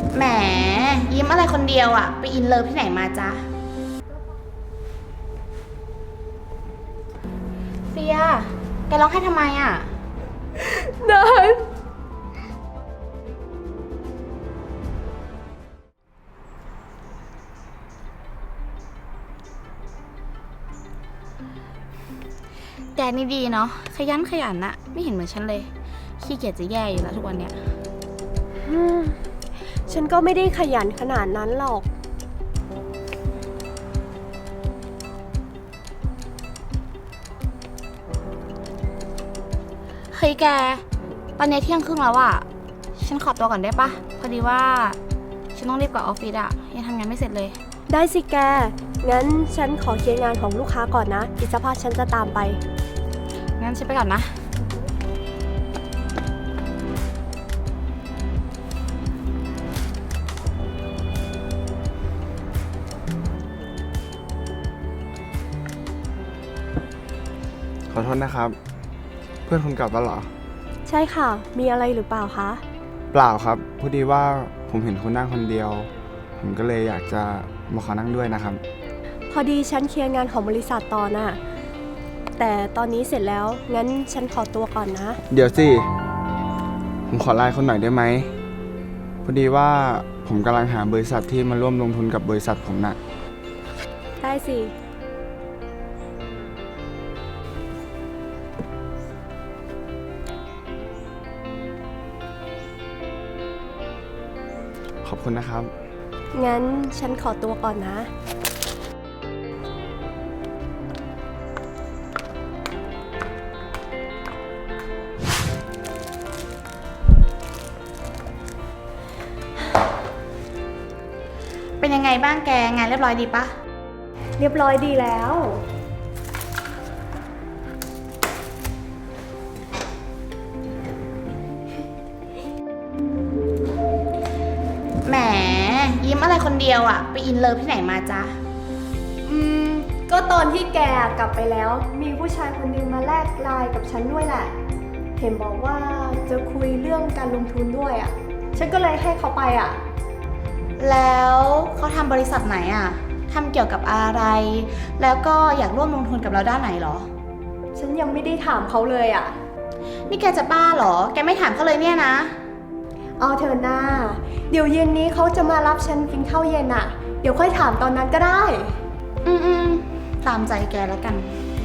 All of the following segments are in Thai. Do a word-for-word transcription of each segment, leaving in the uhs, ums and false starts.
แหมยิ้มอะไรคนเดียวอ่ะไปอินเลิฟที่ไหนมาจ๊ะเฟียแกร้องไห้ทำไมอ่ะนันแกนี่ดีเนาะขยันขยันนะไม่เห็นเหมือนฉันเลยขี้เกียจจะแย่อยู่แล้วทุกวันเนี้ยฉันก็ไม่ได้ขยันขนาดนั้นหรอกเฮ้ยแกตอนนี้เที่ยงครึ่งแล้วอะฉันขอตัวก่อนได้ปะพอดีว่าฉันต้องรีบกลับออฟฟิศอะยังทำงานไม่เสร็จเลยได้สิแกงั้นฉันขอเคลียร์งานของลูกค้าก่อนนะอีกสักพักฉันจะตามไปงั้นฉันไปก่อนนะขอโทษนะครับ เพื่อนคุณกลับแล้วเหรอใช่ค่ะมีอะไรหรือเปล่าคะเปล่าครับพอดีว่าผมเห็นคุณนั่งคนเดียวผมก็เลยอยากจะมาขอนั่งด้วยนะครับพอดีฉันเคลียร์งานของบริษัทต่อน่ะแต่ตอนนี้เสร็จแล้วงั้นฉันขอตัวก่อนนะเดี๋ยวสิผมขอไลน์คนหน่อยได้ไหมพอดีว่าผมกำลังหาบริษัทที่มาร่วมลงทุนกับบริษัทผมน่ะได้สิขอบคุณนะครับงั้นฉันขอตัวก่อนนะเป็นยังไงบ้างแกงานเรียบร้อยดีปะเรียบร้อยดีแล้วแหมยิ้มอะไรคนเดียวอ่ะไปอินเลิฟที่ไหนมาจ๊ะอืมก็ตอนที่แกกลับไปแล้วมีผู้ชายคนนึงมาแลกไลน์กับฉันด้วยแหละเห็นบอกว่าจะคุยเรื่องการลงทุนด้วยอ่ะฉันก็เลยให้เขาไปอ่ะแล้วเขาทำบริษัทไหนอ่ะทำเกี่ยวกับอะไรแล้วก็อยากร่วมลงทุนกับเราด้านไหนหรอฉันยังไม่ได้ถามเขาเลยอ่ะนี่แกจะบ้าหรอแกไม่ถามเขาเลยเนี่ยนะเอาเถอะนาเดี๋ยวเย็นนี้เขาจะมารับฉันกินข้าวเย็นอ่ะเดี๋ยวค่อยถามตอนนั้นก็ได้อืมอืมตามใจแกแล้วกัน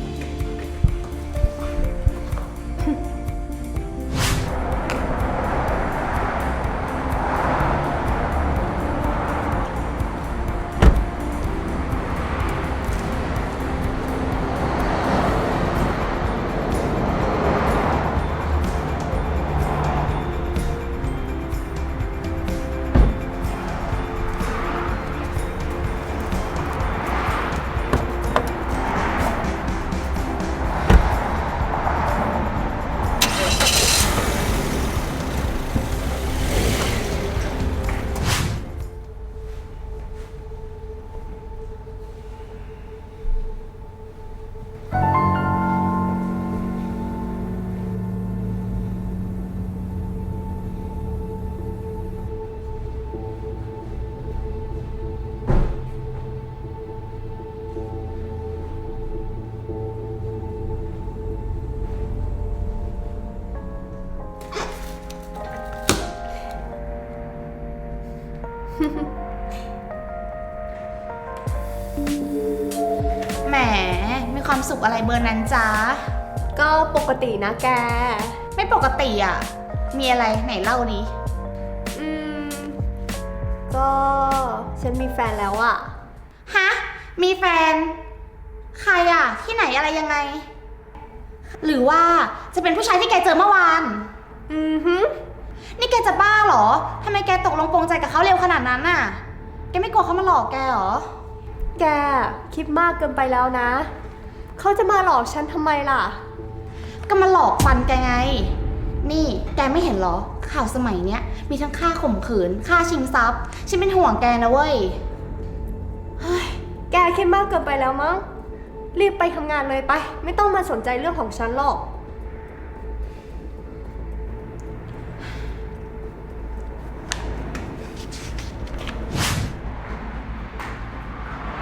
แหมมีความสุขอะไรเบอร์นั้นจ๊ะก็ปกตินะแกไม่ปกติอ่ะมีอะไรไหนเล่าดิอืมก็ฉันมีแฟนแล้วอ่ะฮะมีแฟนใครอ่ะที่ไหนอะไรยังไงหรือว่าจะเป็นผู้ชายที่แกเจอเมื่อวานอือฮึนี่แกจะบ้าเหรอทำไมแกตกลงปรงใจกับเขาเร็วขนาดนั้นน่ะแกไม่กลัวเขามาหลอกแกเหรอแกคิดมากเกินไปแล้วนะเขาจะมาหลอกฉันทำไมล่ะก็มาหลอกฟันแกไงนี่แกไม่เห็นเหรอข่าวสมัยเนี้ยมีทั้งค่าข่มขืนค่าชิงทรัพย์ฉันเป็นห่วงแกนะเว้ยเฮ้ยแกคิดมากเกินไปแล้วมั้งรีบไปทำงานเลยไปไม่ต้องมาสนใจเรื่องของฉันหรอก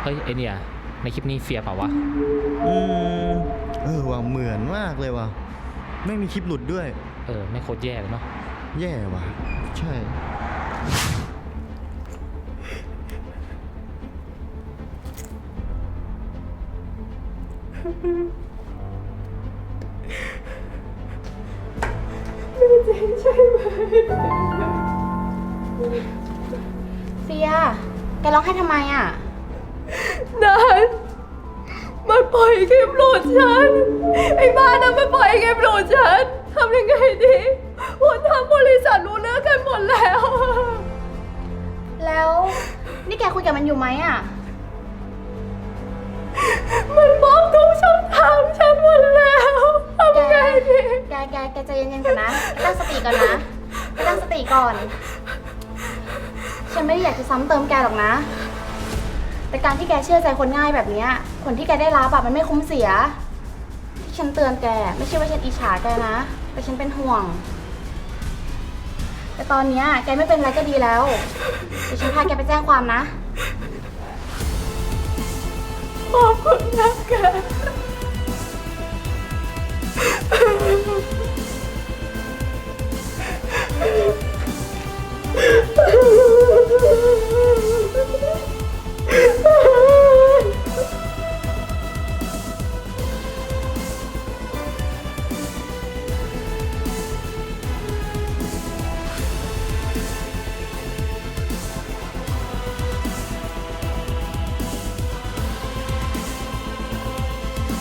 เฮ้ยไอเนี่ยในคลิปนี้เฟียเปล่าวะอืมเออว่ะเหมือนมากเลยว่ะไม่มีคลิปหลุดด้วยเออไม่โคตรแย่เลยเนาะแย่ว่ะ ใช่เฟีย แกร้องไห้ทำไมอ่ะนันมันปล่อยคลิปหลุดฉัน ไอ้บ้านนั้นมันปล่อยคลิปหลุดฉันทำยังไงดีคนทางบริษัทรู้เรื่องกันหมดแล้วแล้วนี่แกคุยกับมันอยู่ไหมอ่ะมันบล็อกทุกช่องทางฉันหมดแล้วทำแกยังไงดีแก แก แกใจเย็นๆก่อนนะแกตั้งสติก่อนนะแกตั้งสติก่อน ฉันไม่ได้อยากจะซ้ำเติมแกหรอกนะ แต่การที่แกเชื่อใจคนง่ายแบบเนี้ยผลที่แกได้รับอะมันไม่คุ้มเสีย ที่ฉันเตือนแกไม่ใช่ว่าฉันอิจฉาแกนะ แต่ฉันเป็นห่วง แต่ตอนเนี้ยแกไม่เป็นไรก็ดีแล้วเดี๋ยวฉันพาแกไปแจ้งความนะขอบคุณนะแก